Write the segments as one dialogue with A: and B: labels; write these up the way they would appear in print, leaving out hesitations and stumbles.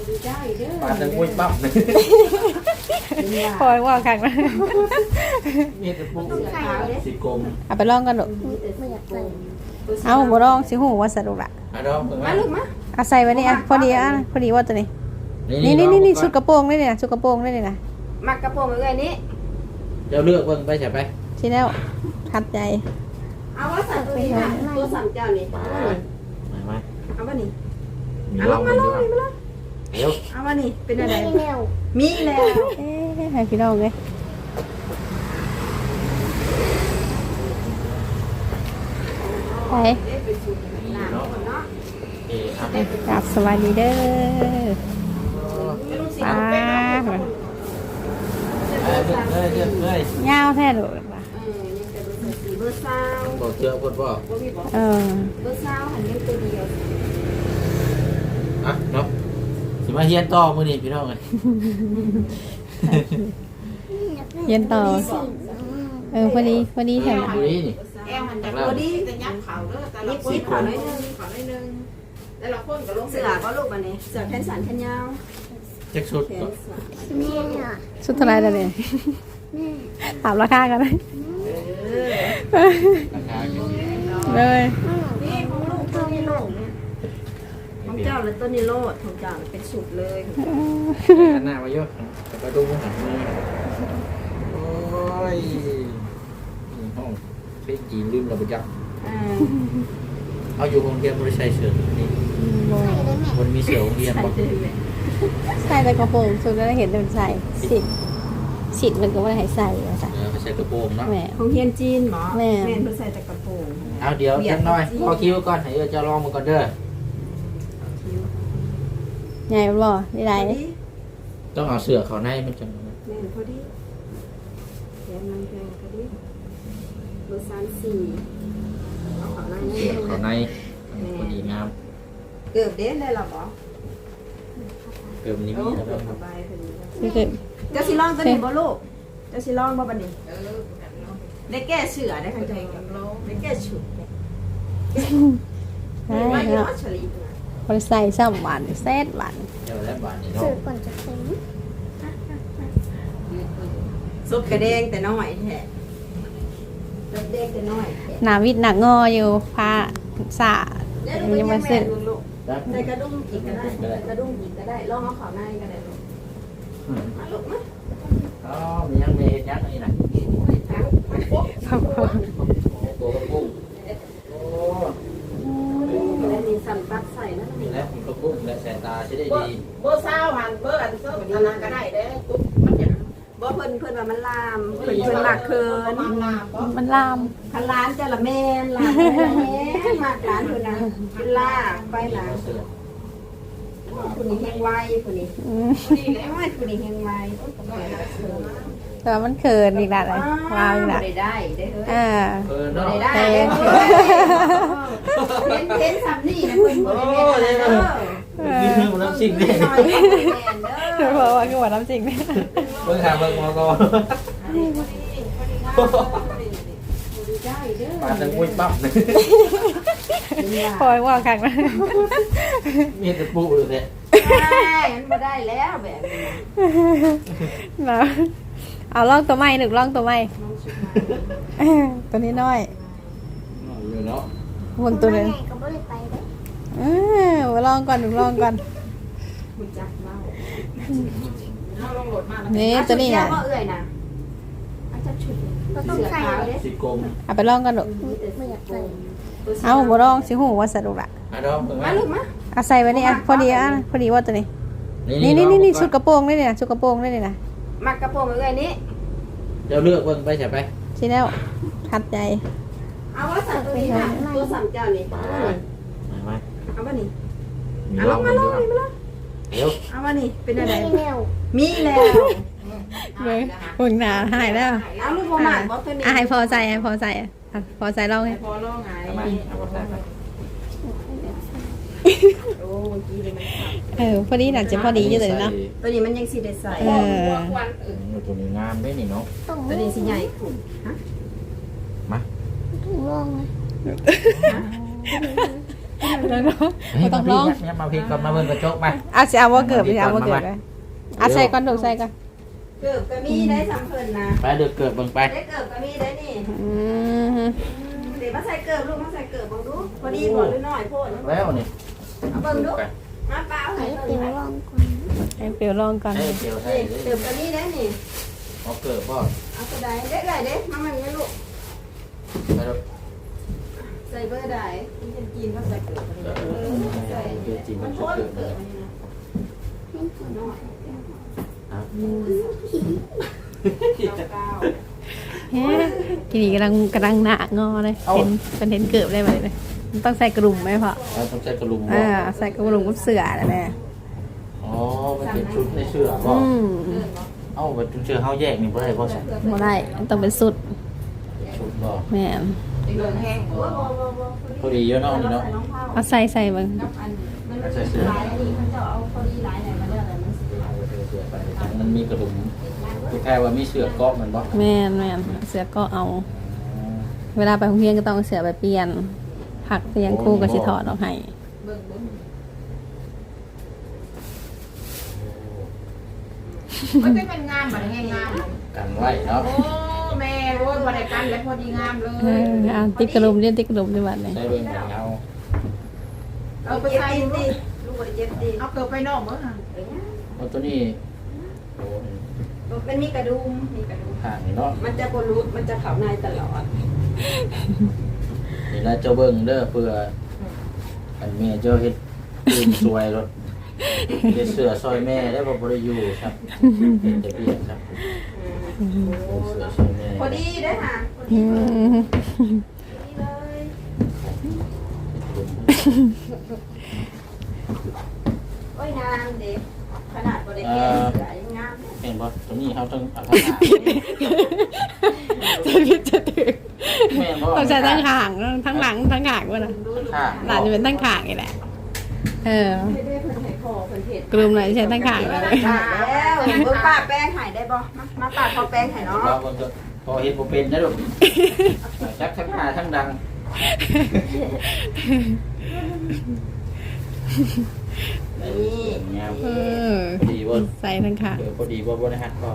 A: ปลาตะกุ้ยปั๊บเลย
B: คอยว่าคักนะ
A: มีแต่ปุ๊บสีกลม
B: เอาไปลองกันดู
C: ไม่อยากใส่
B: เอาบ่ลองสิหูว่าสรุปละ
A: อ่ะดอกเพิ่ง
D: มาลูกมา
B: เอาใส่ไว้นี่อ่ะพอดีอ่ะพอดีว่าตัวนี้นี่ชุดกระโปรงนี่นะชุดกระโปรงนี่นะ
D: มักกระโปรงเอ้ยนี้
A: เดี๋ยวเลือกเบิ่งไปใช่ไป
B: ที่แล้วทัดใจ
D: เอาว่าสั่นตัวนี้นะตัวสั่นเจ้านี่
A: มา
D: เอาว่านี่
A: มี
D: เอา
A: ล
D: ล
A: อง
D: ง
A: มา
D: มา
A: ล
D: ล
A: อง
D: งมาลง
A: เดี๋ยว
D: เอาว่านี่เป็นอะไร
C: ไม่แนว
D: มีแล้ว
B: เอ๊ะให้พี่น้องเลยไป
D: เป็นสูตรหนาเนาะ
A: เอ๊ะครับ
B: กราบสวัสดีเด้อป้า
A: เลือกเลย
B: ยาวแท้ดูว่ะ
D: ยังเป็นสีเบอร์ซาว
A: บอกเจอคนบอก
B: เออ
D: เบอร์ซาวหันยังตัวเดียว
A: อ่ะเนาะสิมาเฮียนต่อมื้อนี้พี่น้องเลย
B: เย็นต่อพอดีแถว
A: มื้อนี้นี่
D: แอลหันจากตัวดีจะยับเข่าเด้อแต่ละคนขอหน่อยนึงแต่ละคนก็ลงเสือก็ลูกอันนี้เสือแขนสั้นแขนยาว
A: จักชุด
D: แข
A: ก็
D: นสั้น
C: แม่อ่ะ
B: ชุดเท่าไรแล้วเนี่ย
C: แม่
B: ถามราคากันเลย
A: ราคาก็
B: เลย
D: นี่ของลูกตัวนี้โลกเนี่ยของเจ้าและต้นนี้โลดของเจ้าเป็นสูตรเลย
A: อันหน้ามาเยอะแต่ก็ดูหันมือโอ้ยนี่ห้องเพชรจีนลืมระเบิดยักษ์เอาอยู่โรงเรียนบริษัทเสือนี่
C: ใส่ได้แม่
A: มันมีเสือโรงเรียน
D: ใส่
A: บอก
D: เลยแม่
B: ใส่แต่กระโปรงชุดแล้วเห็นเป็นใส่สิทธิ์มันก็ไม่ได้ให้ใส่ใส่
A: ไม่ใช่กระโปรงเนาะ
B: แม่
D: ของเฮียนจีนหมอ
B: แม่
D: แม่เพิ่นใส่แต่กระโปรง
A: เอาเดี๋ยวจังหน่อยพอคิวก่อนให้จะลองมาก่อนเด้อ
B: ใหญ่บ่ได้ไร
D: พอดี
A: ต้องเอาเสือเขาในมันจัง
D: แม่นพอดีแขนมันแพงพอดีเบอร์34เอาของนาย
A: เสือเขาในพอดีงาม
D: เกือบเด้ได้หรอบ่
A: เกิมนี้
D: โอ้
A: มีแล้ว
D: เกือบ
A: ค
D: ส
A: รับบ
D: ายพอดี
B: คือคือ
D: เจ้าสิลองตัวนี้บ่ลูกเจ้าสิลองบ่บัดนี้ได้แก้เสือได้คันใจกับได้แก้ฉุด
B: ใช่
D: ไม่
B: เนาะ
D: เนาะฉลี
B: คนใส่ซ้ำหวานเซตหวาน
A: เดี๋ยวแล้วบาทนี้
C: สื่
A: เนาะ
C: อก่อนจะใส่
D: ซุปกระเด้งแต่น้อยแท้กระเด้งแต่น้อย
B: หนาวิดหนักงออยู่พาสา
D: ยังมาซื้อลูก
A: ครับ
D: ใส่กระดุมอีกก็ได้กระดุมอีกก็ได้ลองเอาข้าวในก็ได้ลูกมาลูกมา
A: อ๋อมียังมียักษ์นี่นะ
D: ทั้งโป๊ะ
A: ตัวกระปุกโอ้
D: แล้วมีสันปักใส่นั่นนี่
A: และกระปุกและสายตาใช้ได้ดี
D: เบอร์ซาวหันเบอร์อันเซอร์อันนั้นก็ได้เด้ตุ๊บมันจะบ่เพิ่นว่ามันลามเพิ่นมากเกิน
B: มันลาม
D: คันร้านจะละแม่นร้านจะละแม่นมากร้านเพิ่นนะเป็นลากไปหลัง
A: เสือ
D: ผู้นี้แห้งไวผู้นี้
B: อืม
D: ผู้นี้ไม่ผู้นี้แห้งไว
B: แต่ว่ามันเขินอีกแล้วเลยลามอีกแล้ว
D: ได้ได้เฮ้ย
B: อ่า
A: เนาะ
D: ได้ได้เห็นสามนี่นะเพิ่นบ่ได้แม่นเด้อ
A: กินเรื่องน้ำซิ่งนี่
D: น้อยแม่นเด้อ
B: เพราะว่าคือว่าน้ำจริงเนี่ย
A: เบิ่งหาเบิ่งมอกอปลาตะกุ้ยปั๊บเลย
B: คอยว่าคักนะ
A: มีแต่ปุ๊บเลยเนี่ย
D: มันบ่ได้แล้วแบบนี้
B: นะเอาล่องตัวใหม่หนึ่งล่องตัวใหม่ตัวนี้น้อย
A: อยู่เนาะ
B: วนตัวหนึง
C: แม่ก็ไม่ได้ไปเลย
B: มาลองก่อนหนึ่งลองก่อน
D: คุณจักเมา
B: นี่ตัวนี้
D: อ่ะ
B: อ่ะ
D: เอื้อยนะอาจจะชุด
C: เราต้องใส่
A: สีกลม
B: เอาไปลองกันดู
C: ไม่อยากใส่
B: เอาบ่ลองสิหูว่าสรุปละ
A: อ่ะดอกเบิ่ง
D: มาลูกมา
B: เอาใส่ไว้นี่อ่ะพอดีอ่ะพอดีว่าตัวนี้นี่ชุดกระโปรงนี่นะชุดกระโปรงนี่นะ
D: มักกระโปรงเอื้อยนี้
A: เดี๋ยวเลือกเบิ่งไปใช่ไป
B: ที่แล้วทัดใจ
D: เอาว่าสั่นตัวนี้นะตัวสั่นเจ้านี่
A: มา
D: เอาว่านี่
A: มี
D: เอา
A: ล
D: ล
A: อง
D: ง
A: มา
D: มาล
A: ดู
D: งนี่มาลง
A: เดี๋ยว
D: เอาว่านี่เป็นอะไร
C: ไม่แนว
D: มีแล้ว
B: เลยเบิ่งหนาหายแล้ว
D: เอาลูกบ่มาบ่ตัวนี้
B: ให้พอใจให้พอใจพอใจลองให้
D: พอลงไง
A: เอามาเอามาใส่ไป
D: โอ้เมื่อกี้เลยมัน
B: พอดีน่ะจะพอดีอยู่เลยเนาะ
D: ตัวนี้มันยังสิได้ใส่
A: ตัวนี้งามด้วยนี่เนาะ
C: ต้อง
D: ตัวนี้สิใหญ่ขึ้นฮะ
A: มา
C: ถุงรองนะ
D: ฮะ
B: แล้วเนาะ
A: เฮ้ย
B: บ่ต้องลอง
A: เนี่ยมาพี่ก่อนมาเบิ่งกระจกมา
B: อาสิเอาว่าเกิดไปเอาว่าเกิดไปอาใส่ก่อนดูใส่ก่อน
D: เกือบก็มีได้สำเพิ่นนะ
A: ไปเดือดเกิดเบิ่งไป
D: ได้เกือบก็มีได้นี่
B: อืม
D: เดี๋ยวมาใส่เกือบลูกมาใส่เกือบบังดูพอดีบ่หรือน้อยโพด
A: แล้วนี่
D: เอาเบิ่งดูมาเปล่า
C: ให้
D: ให้
C: เตี
D: เบิ่
C: ยว
D: ง
C: ลองก่อน
B: ให้เปียวลองก่อน
A: ให้เกี่ยวให้
D: นี่เกือบก็มีได้นี่
A: เอาเกิดบ่
D: เอาตัวใดเด็กใดเด้มามันนี่ลูก
A: ไปแล้ว
D: ใส่เบอร์ใดที่เป็นจีนก็ใส่เกือบใส่มันโพดเกือบอันนี้นะน้อยเก้า
B: เฮ้ทีนี้กำลังหนางอเลยเห็นเป็นเห็นเกือบได้ไหมเลยมันต้องใส่กระดุมไหมพ่อ
A: ต้องใช้กระลุมบ่
B: ใส่กระดุมกับเสือแน่
A: อ๋อมันเป็นชุดในเสื้อบ่
B: อืม
A: เอ้าเป็นเสื้อเฮาแยกนี่บ่ได้บ่ใช่
B: บ่ได้มันต้องเป็นสุด
A: ชุดบ่
B: แม่น
D: เดินแห้งหัว
A: พอดีเยอะเนาะนี่เนาะ
B: เอาใส่เบิ่ง
D: มันใส่เสื้อลายอันนี้มันจะเอาพอดีลายไหนมาเลือกอะไรมัน
A: เสื้อไปมันมีกระดุมคือแค่ว่ามีเสื้อเกาะมันบ่
B: แม่นเสือก็เอา เวลาไปโรงเรียนก็ต้องเอาเสือไปเปลี่ยนผักเปลี่ยนครูก็สิถอดออกให้
D: เบิ่ง
E: มันจะเป็นงามแบบงาม
A: กันไว้เนาะ
E: โอ้แม่โอ้ยบริการแล้วพอดีงามเลย
B: เอาติ๊กกระดุมเรียนติ๊กกระดุมดีกว่าเลย
A: ได้เบิ่งกันเอา
E: เอาไป
D: เจ็บ
E: ใส่
D: ตีน
E: ลู
D: ดิ
E: ก
D: ลูกบริเจ็บตีน
E: เอาเกิดไปนอกมั้ง
A: เอาตัวนี้โอ้
D: มันมีกระดุมมีกระดุม
A: ห่างนี่เนาะ
D: มันจะบรูดมันจะเข่าในตลอด
A: นี่นะเจ้าเบิ่งเด้อเพื่ออันแม่เจ้าเฮ็ดตื่นสวยรถเฮ็ดเสื้อซอยแม่ได้บ่บ่ได้อยู่ครับเฮ็ดแต่เพียงครับเสื้อซอยแม่
D: พอดีได้ค่ะพอดี
B: อืม
D: เลย โอ้ยงามเด็กขนาดบริเกณฑ์ยังงาม
A: เห็นบ่ตัวนี้เฮาต้องเอาทั้งหาง
B: จะพิดจะถึง
A: แม่นบ่
B: ต้องใช้ทั้งขางทั้งหลังทั้งขางวะนะ
A: ข้าง
B: หลานจะเป็นทั้งขางนี่แหละ
D: ไ
B: เออ
D: ม่ได้เพิ่นให้คอเพิ่นเห็ด
B: กลุ่มไหนใช้ทั้งขางเลย
D: แล้วเบิ่งป้าแป้งหายได้บ่มาป้าพอแป้งหายเนาะ
A: เราก็พอเฮ็ดบ่เป็นนะลูกจักทั้งหน้าทั้งดัง
D: นี่
A: งาม
B: เออ
A: พอดีบ่
B: ใส่ทั้งขาง
A: พอดีบ่ได้ฮักก็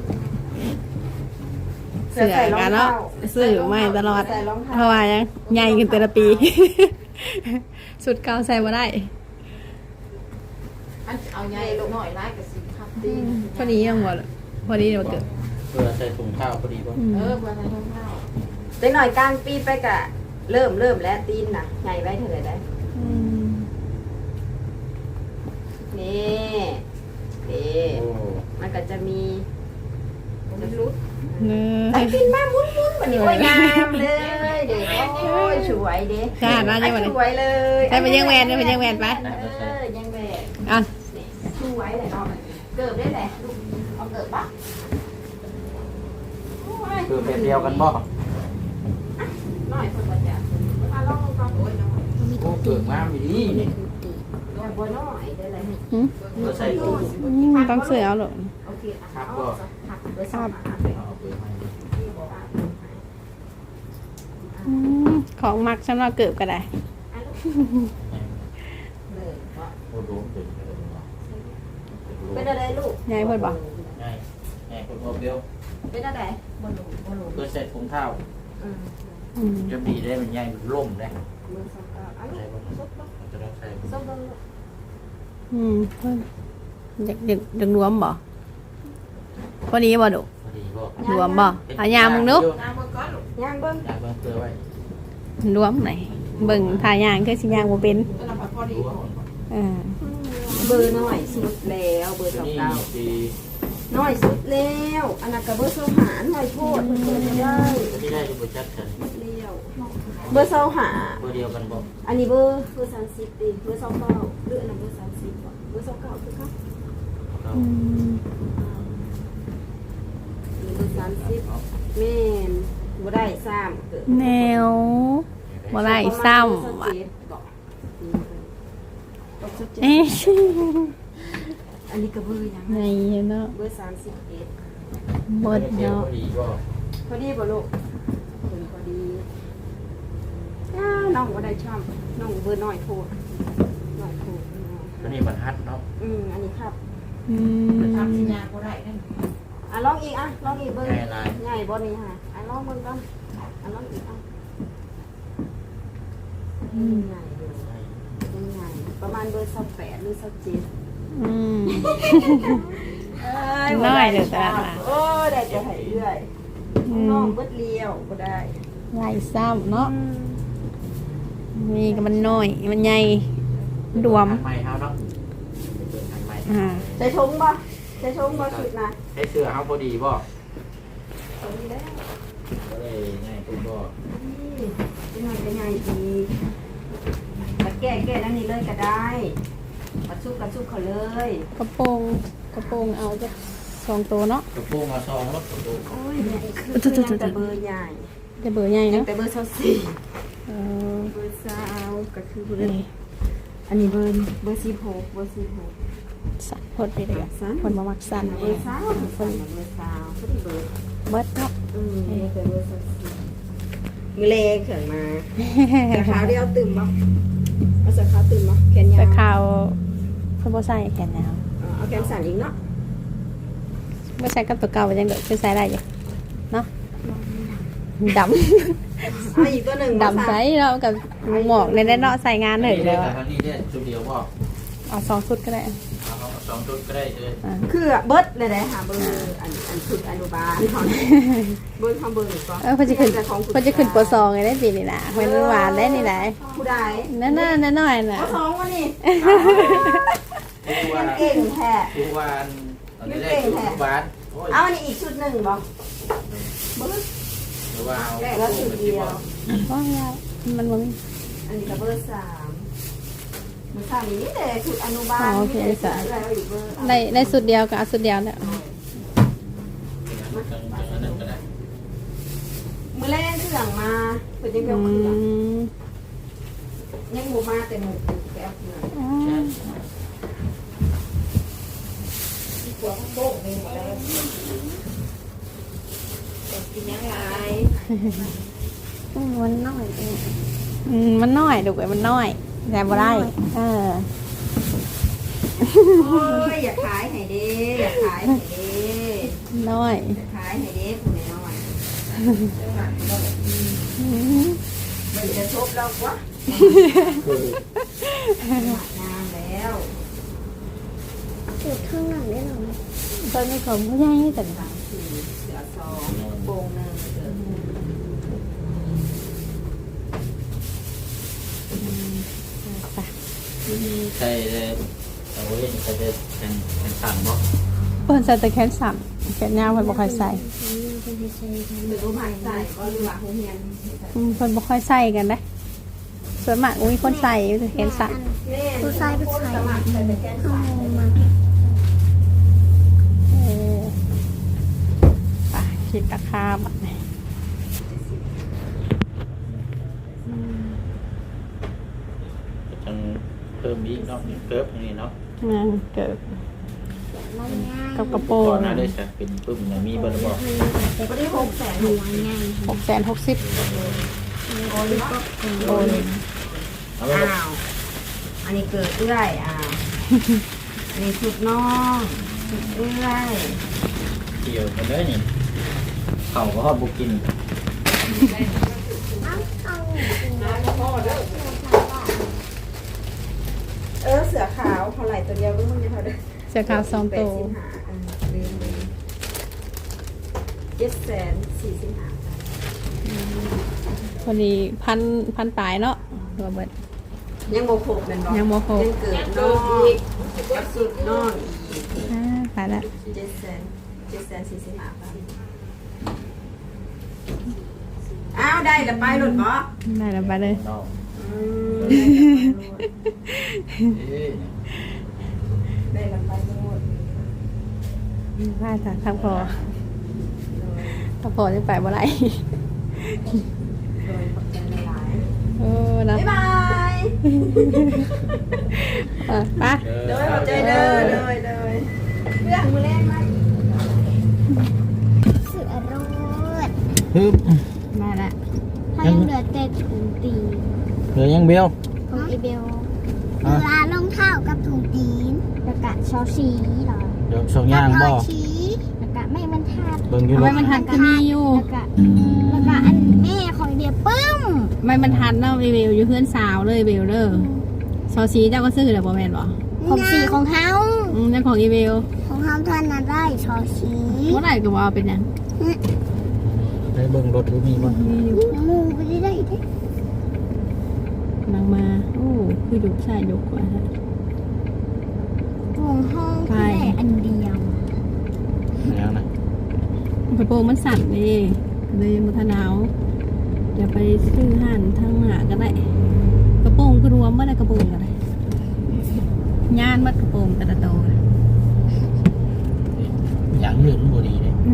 B: เสือกันเนาะซื้อไม่ตลอดเพราะว่ายังใหญ่ขึ้นแต่ละปี สุดเก่าใส่มาได้
E: อันเอาใหญ่ลงหน่อยร้ายกับสิครับตี
B: พอดียังหมดพอดีเดี๋ยวเกิด
A: เพื่อใส่ถุงเท้าพอดีบ่
E: เออเพื่อใส่ท้องเท้า
D: เด็กหน่อยกลางปีไปกะเริ่มแล้วตีนน่ะใหญ่ไว้เท่าไหร่ได้นี่นี่
A: โอ้
D: มันก็จะมีมันรุด
B: เน
D: ไอ้
B: ย
D: ปินมามุนๆวันนี้โอ้ยงามเลยเด็กโอ้ยสวยเด็ก
B: ใช่มายังไง
D: สวยเลย
B: ใช่ไปยังแวนไปยังแวนไป
D: ยังแหวน
B: อ่ะ
D: สวยเลยเนาะเกิดได้แหละลูกเอาเกิดปะ
A: คือแบบเดียวกันบ่
D: น้อยคนบ่จะมาลองฟังโอ้ยน้อย
A: โอ้เกิดงามอีดีนี่
D: แต่บ่น้อยได้เลย
A: เพื่อใส่ถุง
B: ต้องเสือเอาหรอ
D: โอเค
A: ครับก็
D: หักเบอร์สาม
A: เอาไปให้
B: ของมักสำหรับเกิดก็ได้
A: โอ้โหเป็นไปเลยเนาะ
D: เป็นอะไรลูก
B: ยายเพิ่นบอก
A: ง่ายง่ายคนเอาเดียว
D: เป็นอะไรบอลลูนบอลลูน
A: เพื่อใส่ถุงเท้า
B: อืม
A: จะดีได้มันใหญ่มันล่มได้
D: เบอร์สองอัน
A: ใช่
D: นี้
A: บ่จะต้องใส่
D: ส้มเบอร์
B: เพิ่นอยากรวมบ่พอดีบ่ดุ
A: พอดีบ่
B: รวมบ่เอายามมึงนุ๊ก
E: น้ำมันก้อนลูก
D: ย่างเบิ้ง
A: อยากเบิ่งเพื่อไว้
B: รวมไหนเบิ่งทายางคือสิยางบ่เป็น
E: แล้วเราพอดี
B: เออ
D: เบอร์น้อยสุดแล้วเบอร์
A: ตัว
D: สอง
A: นี้
D: เก้า
A: ดี
D: น้อยสุดแล้วอันนั้นกับเบอร์โซหาหน่อยโทษเบอร์ไม่ได้
A: ตัวนี้ได้ดูบ่จักกัน
D: เลี้ยวเบอร์โซหา
A: เบอร์เดียวกันบ่
D: อันนี้เบอร์30ดิเบอร์29หรืออันนั้นเบอร์30บ่เบอร์29คือครับ
A: เอา
B: อืม
D: เบอร์30แม่นบ่ได้ซ้ำเกิด
B: แนวบ่ได้ซ้ำว่ะเอ๊ะ
D: อันนี้ก็เบอร์ยัง
B: ในเนาะ
D: เบอร์31
B: หมด
A: เดียว
B: เนาะ
A: พอดีบ่
D: พอดีบ่ลูกพอดีอ้าวน้องก็ได้ช่ำน้องเบอร์น้อยโทรน้อยโทร
A: อันนี้บรรทัดเนาะ
D: อันนี้ครับ
E: ทำสิญาก็ได้นั่น
D: ลองอีกลองอีกเบอร์
A: ง่ายลาย
D: ง่ายบ่นี่ฮะลองเบิ่งก่อนลองอีกง่ายเลยง่ายประมาณเบอร์28หรือ27
B: อืม
D: เอ้ย
B: น้อยเด้อตลาดมา
D: โอ้ได้จะให้เรื่อยน้องเบิดเลี้ยวบ่ได้
B: ลายซ้ำเนาะมีก็มันน้อยมันใหญ่รวม
A: อันใหม่เฮาเนาะอันใหม่
D: ใส่ชงบ่ใส่ชงบ่สุดนะ
A: ใช้เสื้อเฮาพอดีบ่
D: ตรงนี้แล้ว
A: ก็เลยง่ายคุณบ่
D: เป็นไงดีมาแก้นั่นนี่เลยก็ได้กระชุบเขาเลย
B: กระโปรงเอาจะ2ตัวเนาะ
A: กระโปรงมาซองรถกระโปรง
D: โอ้ยคือยังแต่เบอร์ใหญ่
B: จะเบอร์ใหญ่
D: ยัง
B: เนาะ
D: แต่เบอร์24
B: เออ
D: เบอร์20ก็คือเบอร์อันนี้เบอร์16เบอร์16
B: สั่นพดไปเลยคนมามักสั่น
D: เบอร์20คนเบอร์20พอดีเบอร์
B: เบิดเนาะ
D: นี่เป็นเบอร์24มือเลเขินมาแต่ขาวเดียวตื่มบ่เอาสักขาวตื่มบ่แขนยาว
B: แต่ข่าวเพิ่นบ่ใส่แขนยาว
D: เอาแขนสั้นอีกเนาะ
B: บ่ใส่กับตัวเก่ายังเด้อคือใส่ได้อยู่เนาะดำ
D: เอาอีกตัวหนึ่ง
B: ดำใส่เนาะกับหมอกในเนาะใส่งานหนึ่ง
A: นี่
B: แล้
A: ได้
B: ว
A: แต่ทางนี้ได้ชุดเดียวบ่
B: เอา2ชุดก็ได้
A: เอาสองชุดก็ได้เลย
D: คือเบิร์ดเลยนะค่ะเบอร์อันชุดอนุบาลของเบอร์ของเบอร์หนึ่งก็
B: เพิ่นจะขึ้นป2ไงได้ปีนี้น่ะเพิ่นหวานได้นี่แหละ
D: ผู้ใด
B: นั่นน้อยๆน่ะ
D: ปสองวะนี่
A: ทุกวัน
D: เก่งแท้
A: ทุกวันตอนนี้ได้ทุกวันโอ้ย
D: เอาอันนี้อีกชุดหนึ่งบ่เบิร์ด
A: หรือว่าเอา
D: แล้วชุดเดียว
B: ว่าแล้วมันบ่มี
D: อันนี้ก็เบอร์3เบอร์3นี่แต่ชุดอนุบาลนี่แต่แล้วอีกเบอร์
B: ได้สุดเดียวก็เอาสุดเดียวแล้ว
D: มือแรกเครื่องมาเป็นยัง
B: อื
D: เพียวเครื่อง
B: ม
D: ยังหมูมาแต่หมูแก้วเครื่อง
B: อ๋อ
E: หัวโบ๊กนี่หมดแล้วกินยังไง
C: มันน้อยเอง
B: มันน้อยดูไว้มันน้อยแต่บ่ได้
D: โ
B: เออ
D: อ้ยอย่าขายให้เด้อย่าขายให้เด้
B: น้อย
D: อย่าขายให้เด้ผู้น้อย
B: อืม
D: มันจะชบเราวะงามแล้ว
C: จุดข้างหลังได้หรอ
B: ตอนนี้เขาบ่ใหญ่แต่
D: 3 4เสือ2โป่งหนึ่งเสือ
A: ใช่เลยเอาไว้จะเป็นสั่งบ่
B: เพิ่นใส่แต่แขนสั้นแขนยาวเพิ่นบ่ค่อยใส่
D: หรือรู้ผ่านใส่ก็หรือว่าโรงเรียน
B: เพิ่นบ่ค่อยใส่กันเด้ส่วนมากมีคนใส่อยู่แต่แขนสั้น
C: ผู้ชายผู้ชาย
D: สมัครใส่แต่แก้
C: เอา
D: สาย
C: มา
B: เออไปคิดราคาบัดนี้
A: จังเพิ่มอีกเนาะเกิบนี่เนาะ
B: งานเกิด
C: มันง่าย
B: กับกระโปร
A: ก่อง นหน้าได้จะเป็นปึ้มมีเบอร์บอก
D: ไม่ได้600,000
C: หัวง่าย
B: 660
D: โอนก็
B: โอน
A: เอาไว้
D: อ้าว อันนี้เกิดเอื้อยอันนี้ชุดน้องชุดเอื้อย
A: เกี่ยวกันเลยนี่เขาก็ฮอดบุกิน
D: เสือขาวเท่าไหร่ตัวเดียวก็มึงจะเท่าเดิม
B: เสื้อขาว2ตัว
D: ลืม745,000
B: พอดีพันปลายเนาะตัวเบิด
D: ยังโมโคบเป็นบ่
B: ยังบ่ครบ
D: ยังเกิดน้องกับสุดน้องอีก
B: ขายแล้ว
D: 745,000อ้าวได้ละไปหลุดบ่
B: ได้แล้วไปเลย
A: นอก
D: ได้ละไปหมด
B: ว่าจากทางพอทางพอจะไปบ่ไร
D: โดยขอบใจหลาย
B: โอ้นะ
D: บ๊ายบาย
B: ไป
D: โดยขอบใจเด้อโดยเรื่องมือแรกมา
C: เสือโรด
A: ฮึบ
B: มาละ
C: ถ้ายังเหลือแต่ถุงตี
A: เบล
C: ของอีเบล
A: อ่ะ
C: เวลารองเท้ากับถุงตีนแล้วก็ชอชีเหรอ
A: เดี๋ยวส่งย่างบ่
C: ชีแล้วก็ไม่บรรทัด
A: เบิ่งอยู่
B: ทำไม
A: เนาะ
B: มันทันก็มีอยู่
C: แล้วก็อันแม่ของเดียปึ้ม
B: ไม่มันทันเนาะเบลอยู่เพื่อนสาวเลยเบลเด้อซอซีเจ้าก็ซื้อแล้วบ่แม่นบ่
C: ของสีของเฮา
B: เจ้าของอีเบล
C: ของเฮาท่านนั้นได้ชอชี
B: เมื่อไหร่ก็ว่าเป็นหยัง
A: ได้เบิ่งรถดูมีบ่
C: มูไปได้เด้
B: นางมาโอ้คือยุกใช่ยุกกว่าฮะ
C: ของห้องแค่อันเดียว
A: แล้วนะ
B: กระโปรงมันสั่นเลยเลยมันทะหนาวอย่าไปซื้อห่านทางหน้าก็ได้กระโปรงก็รวมเมื่อไรกระโปรงก็ได้ย่านมัดกระโปรงแต่ละโตว
A: อย่างอื่นมันบ่ดีเด้
B: แม่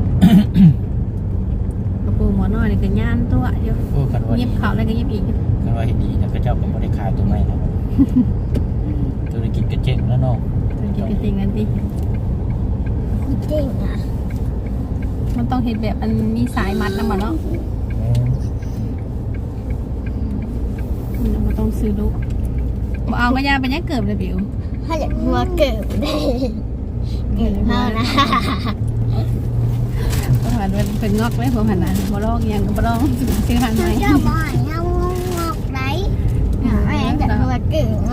B: กระโปรงหัวน้อยนี่ก็ย่านตัวเดียว
A: โอ้กันว่า
B: เย็
A: ดี
B: บเขาแล้วก็เย็บอีก
A: กันว่าเฮ็ดดีนะก็เจ้าก็บ่ได้ขายตัวใหม่แล้วธุรกิจก็เจ๊งแล้วเนาะ
B: กินกระติงกันดิ
C: เจ๋งอ่ะ
B: มันต้องเห็นแบบมันมีสายมัดนะมันเนาะมันต้องซื้อลูกบ่เอาก็ยาไปยังเกิบเลยบิว
C: ถ้าอยากหัวเกิดได้เกิดเท่านะ
B: เพราะว่ามันเป็นงอกเลยผมหันนะบ่ลองยังก็บ่ลองซื้อหันไหม
C: เจ้าบ่อยเงางอกไหนแม่จะหัวเกิดมา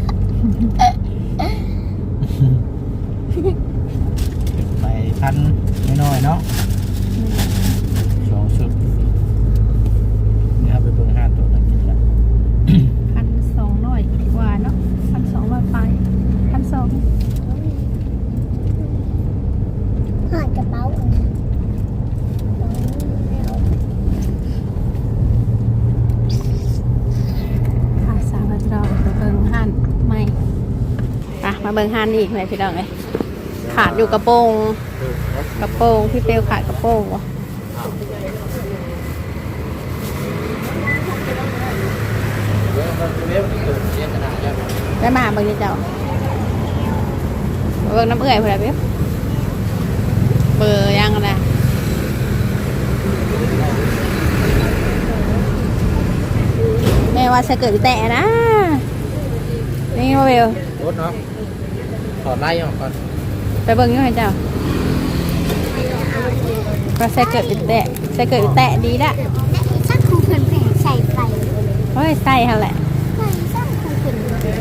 A: ไปพันน้อยๆเนาะสองชุดเดี๋ยวเอาไปเบิ่งห้าตัวนั้นกินละ
B: 1,200กว่าเนาะ1,200ไป1,200
C: หอดกระเป๋า
B: ค่ะสาวเราจะเราไปเบิ่งหันไม่อ่ะมาเบิ่งหันอีกไหมพี่น้องเอ้ยขาดอยู่กระโปรงพี่เปลวขาดกระโปรงวะ ได้มาเบิ่งนี่เจ้าเบิ่งน้ำเอื่อยเพื่อนเบี้ยเบอร์ยังนะแม่ว่าจะเกิดแตะนะนี่มาเบล
A: รถเนาะถอดไล่ออกก่อน
B: ไปเบิ่งอยู่ให้เจ้าว่าจะเกิดแตะจะเกิดแตะดีละ
C: และอีสักคงเพิ่นแผ่ใส่ไป
B: เฮ้ยใส่เขาแหละ
C: ใส่สักคงเพิ่น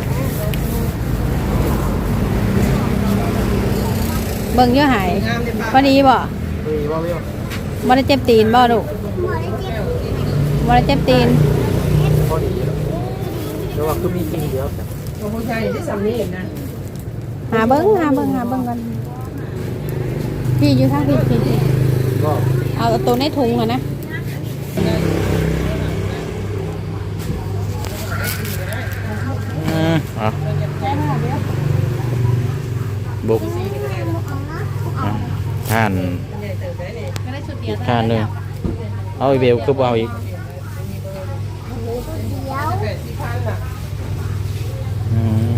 B: เบิ่งอยู่หายพอดีบ่
A: คุยว่าเรื่อง
B: บ่ได้เจ็บตีนบ่ลูก
C: บ่ได้เจ็บ
B: บ่ได้เจ็บตีน
A: พอดีแล้วว่าคือมีจริงเดียว
E: ของผู้ชายได้สำเนียงนะ
B: หาเบิ่งกันพี่อยู่ท่าพี่
A: ก็
B: เอาตัวในถุงอะนะ
A: อ่ะบุกท่านท่านหนึ่งเอาอีเบลคือเอาอีก
C: เดี๋ยว
A: อืม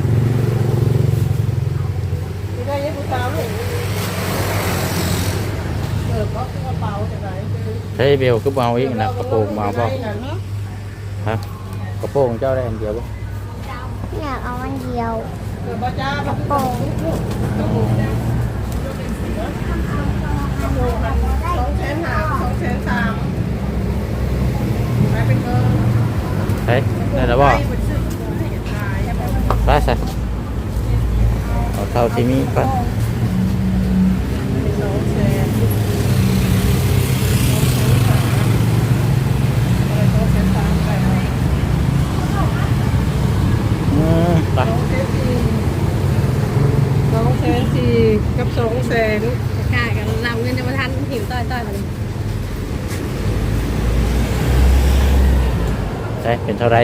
A: ใช้เบลคือเอาอีกนะกระโปรงมาเปล่าฮะกระโปรงเจ้าได้อันเดียวป่ะ
C: อยากเอาอันเดียวกระโปรง
A: ใช่ได้แล้วป่ะไปใส่เอาเท่าที่มีก่อนไป
E: 200,000กับ200,000
B: กล้ากันนำเงินจะมาทันหิวต้อยมาเลย
A: ใช่เป็นเท่าไร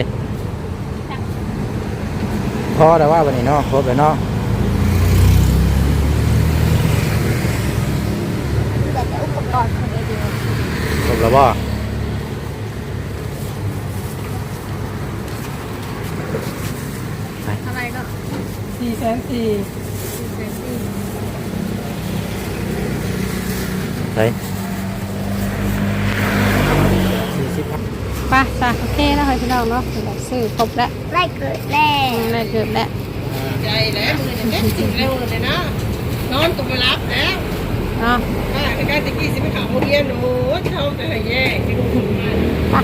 A: พอแต่ว่าวันนี้เนาะครบเลยเนาะ
C: แต่จะอุปกรณ์ของไอเดีย
A: ครบแล้วบ่
B: เท่าไรก็
E: 4,400,000
A: ใช่40,000
B: ไปจ้ะโอเคแล้วให้พี่น้องเนาะซื้อครบแล้ว
C: ไล่เกิดแล้ว
B: ได้เกือบแล้ว
E: ใจแล้วมือเนี่ยจริงเร็วเลยนะนอนก็ไม่รับแล้ว
B: เนาะ
E: ในการตะกี้สิไปเขาเรียนโอ้เขาจะให้แย่ที่ลูกคนมา
B: ไป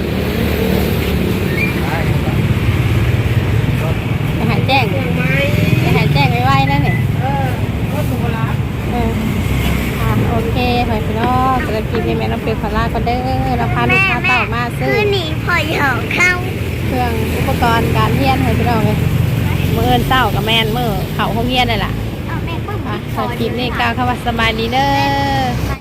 B: จะหายแจ้ง
E: เครื่องไม้
B: จะหายแจ้งไว้ๆนั่นนี่
E: ก็ตัวรับ
B: โอเคไปพี่น้องจะได้กินในแม่น้ำเปรี้ยวพาราก็เด้อเราพาลูกค้าเต่ามาซื้อ
C: คือหนีพอหยอกเข้า
B: เครื่องอุปกรณ์การเรียนให้พี่น้องเลยมือเอินเต้ากับแมนมือเขาห้องเรียนเลยล่ะ
C: เอาแม่ก็
B: อ่ะ
C: มา
B: สำหรับคลิปนี้กล่าวคำว่าสบายดีเด้อ